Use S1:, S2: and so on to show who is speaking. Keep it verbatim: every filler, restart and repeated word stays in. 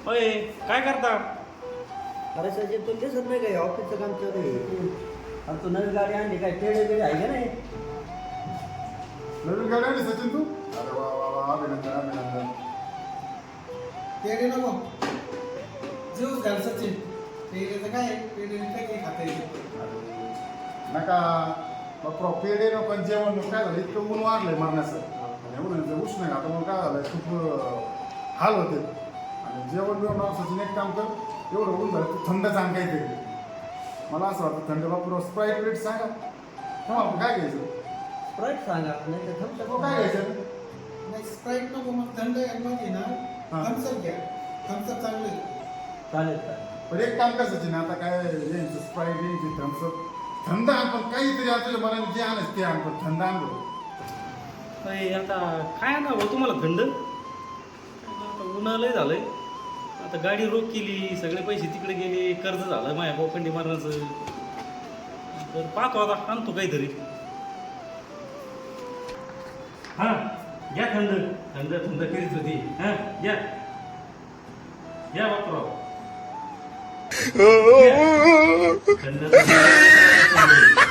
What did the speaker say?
S1: होय काय करता?
S2: अरे सचिन तुला दिसत नाही काय ऑफिसचं काम चालू आहे. आणि तू नवीन गाडी आणली काय पेढे बिडे आहे का नाही?
S3: नवीन गाडी आणली सचिन तू? अरे वा वा वा अभिनंदन अभिनंदन.
S4: पेढे नको ज्यूस घाल सचिन. पेढेचं काय पेढे काय काही खाता येते.
S3: नका बाप्पा पेढे नको पण जेवण नको. काय झालं इतकं ऊन वाढलंय मरण्याचं आणि एवढं उष्ण आहे आता मग काय झालंय खूप अं, हाल होते आणि जेवण बिवण सचिन एक काम कर एवढं ऊन झालं तू थंड सांग काहीतरी. मला असं वाटतं थंड बाप्पा स्प्राईट प्लेट सांगा हा आपण काय घ्यायचं
S2: स्प्राईट सांगा नाही तर थम्स
S3: तो काय घ्यायचं
S4: नाही स्प्राईट नको मग थंड मध्ये ना
S3: हा.
S4: थम्सअप घ्या. थम्सअप चांगलं आहे.
S2: चालेल चालेल.
S3: पण एक काम कर सचिन आता काय यांचं स्प्राईट यांची थम्सअप थंड आण पण काहीतरी आपल्याला मनाने जे आण ते आण पण थंड आण बरं.
S1: होय आता काय ना हो तुम्हाला थंड आता उन्हाळं झालंय. आता गाडी रोक केली सगळे पैसे तिकडे गेले कर्ज झालं माझ्या बोखंडी मारण्याचं. तर पाहतो आता आणतो काहीतरी. हां घ्या थंड थंड थंड करीत होती. हां घ्या घ्या बापराव थंड थंड